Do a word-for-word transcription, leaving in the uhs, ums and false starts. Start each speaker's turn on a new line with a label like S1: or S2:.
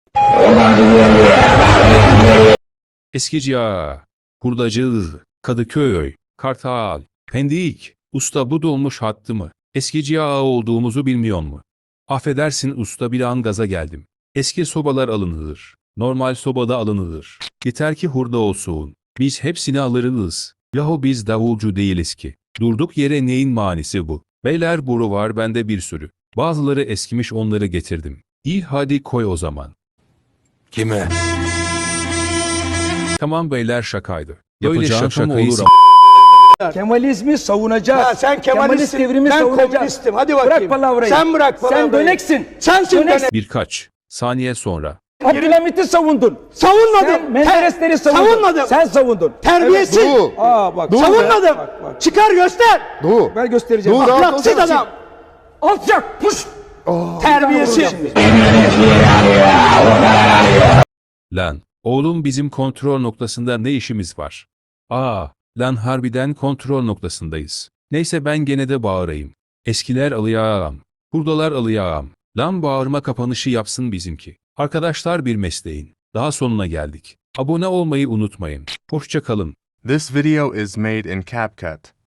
S1: Eskici Ağa, Hurdacı, Kadıköy, Kartal, Pendik, usta bu dolmuş hattı mı? Eskici Ağa olduğumuzu bilmiyor mu? Affedersin usta bir an gaza geldim. Eski sobalar alınılır. Normal sobada alınılır. Yeter ki hurda olsun. Biz hepsini alırız. Yahu biz davulcu değiliz ki. Durduk yere neyin manisi bu? Beyler boru var bende bir sürü. Bazıları eskimiş onları getirdim. İyi hadi koy o zaman.
S2: Kime?
S1: Tamam beyler şakaydı.
S3: Böyle
S1: Yapacağın
S3: şaka mı
S1: şakayı
S3: olur
S1: s-
S4: Kemalizmi savunacağız.
S5: Ha, sen Kemalistsin,
S4: devrimi
S5: ben
S4: savunacağız.
S5: komünistim. Hadi bakayım.
S4: Bırak palavrayı.
S5: Sen bırak palavrayı.
S4: Sen döneksin.
S5: Sensin
S4: Döneksin.
S5: dönek.
S1: Birkaç saniye sonra.
S4: Abdülhamit'i savundun.
S5: Savunmadım.
S4: Sen Menderesleri
S5: Ter-
S4: savundun.
S5: Savunmadım.
S4: Sen savundun.
S5: Terbiyesiz.
S4: Evet, Aa bak.
S5: Savunmadım.
S4: Bak, bak.
S5: Çıkar göster.
S3: Doğu.
S4: Ben göstereceğim.
S3: Dur,
S4: Bak,
S3: rahat
S5: Ahlaksız
S3: olsana.
S5: adam.
S4: alçak. Puş.
S5: Terbiyesiz.
S1: Lan, oğlum bizim kontrol noktasında ne işimiz var? Aa, lan harbiden kontrol noktasındayız. Neyse ben gene de bağırayım. Eskiler alıyağam. Hurdalar alıyağam. Lan bağırma kapanışı yapsın bizimki. Arkadaşlar bir mesleğin. Daha sonuna geldik. Abone olmayı unutmayın. Hoşça kalın.
S6: This video is made in CapCut.